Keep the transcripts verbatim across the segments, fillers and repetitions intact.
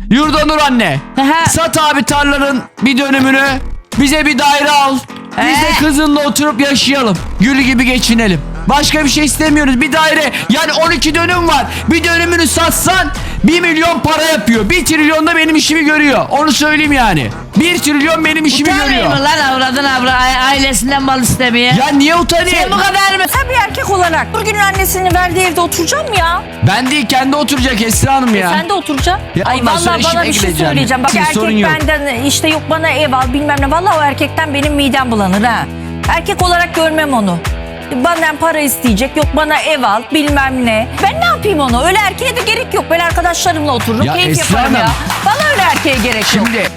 Yurdanur anne. Sat abi tarlanın bir dönümünü. Bize bir daire al. Biz de kızınla oturup yaşayalım. Gül gibi geçinelim. Başka bir şey istemiyoruz. Bir daire, yani on iki dönüm var. Bir dönümünü satsan bir milyon para yapıyor. Bir trilyon da benim işimi görüyor. Onu söyleyeyim yani. Bir trilyon benim işimi görüyor. Utanmıyor mu lan avradın avra ailesinden mal istemeye? Ya niye utanayım? Sen bu kadar mı? Sen bir erkek olarak Nurgül'ün annesinin verdiği evde oturacağım ya. Ben değil, kendi oturacak Esra Hanım ya. Sen de oturacaksın. Ya Ay ondan sonra vallahi bana işime bir şey gideceğim. söyleyeceğim. Bak Bir sorun erkek yok. benden işte yok bana ev al bilmem ne. Vallahi o erkekten benim midem bulanır ha. Erkek olarak görmem onu. Benden para isteyecek, yok bana ev al bilmem ne. Ben ne yapayım onu? Öyle erkeğe de gerek yok. Ben arkadaşlarımla otururum, Ya keyif Esra yaparım ya. Hanım. Bana öyle erkeğe gerek yok. Şimdi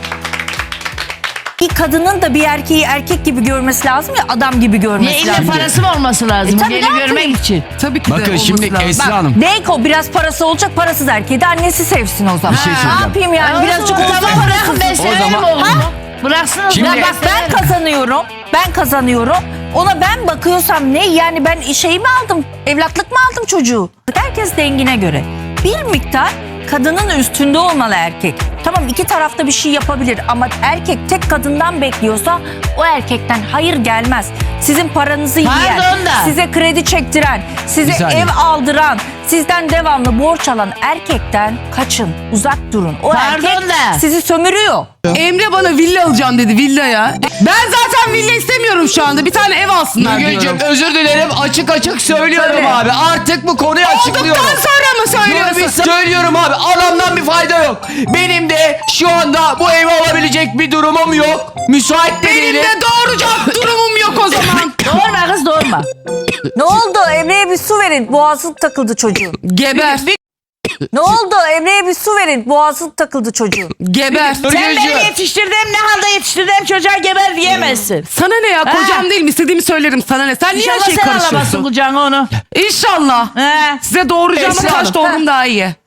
Bir kadının da bir erkeği erkek gibi görmesi lazım ya adam gibi Ne görmesi ille lazım. parası mı olması lazım? E, tabii, Beni ne görmek yapayım? için. Tabii ki de bakın olması şimdi lazım. Esra Bak Hanım. Deyko biraz parası olacak, parasız erkeği de annesi sevsin o zaman. Bir şey ne söyleyeceğim. yapayım yani? Ya Birazcık o zaman olsa bırakın parasız. ben severim zaman- oğlumu. Bıraksınız. Şimdi- ben Ya bak ben severim. kazanıyorum. Ben kazanıyorum. Ona ben bakıyorsam ne? Yani ben şey mi aldım? Evlatlık mı aldım çocuğu? Herkes dengine göre. Bir miktar kadının üstünde olmalı erkek. Tamam iki tarafta bir şey yapabilir ama erkek tek kadından bekliyorsa o erkekten hayır gelmez. Sizin paranızı yiyen, Pardon da. size kredi çektiren, Bir size saniye. ev aldıran, sizden devamlı borç alan erkekten kaçın, uzak durun. O Pardon erkek da. sizi sömürüyor. Emre bana villa alacağım dedi, villaya. Ben zaten villa istemiyorum şu anda. Bir tane ev alsınlar Mügeciğim diyorum. özür dilerim, açık açık söylüyorum Söyle. abi. Artık bu konuyu açıklıyorum. Olduktan sonra mı söylüyorsun? Dur bir söylüyorum abi, adamdan bir fayda yok. Benim de şu anda bu evi alabilecek bir durumum yok. Müsait de Benim değilim. de doğuracak durumum yok o zaman. Doğurma kız doğurma. Ne oldu? Emre'ye bir su verin. Boğazı takıldı çocuğun. Geber. Ne oldu? Emre'ye bir su verin. Boğazı takıldı çocuğun. Geber. Dur, Sen Mügeciğim. beni yetiştirdiğim ne halde yetiştirdiğim çocuğa geber diyemezsin. Sana ne ya? Kocam değil mi? İstediğimi söylerim. Sana ne? Sen niye her İnşallah şeyi sen alamazsın karışıyorsun? kucağına onu. İnşallah. He. Size doğuracağım Esra ama Hanım. kaç doğurum daha iyi.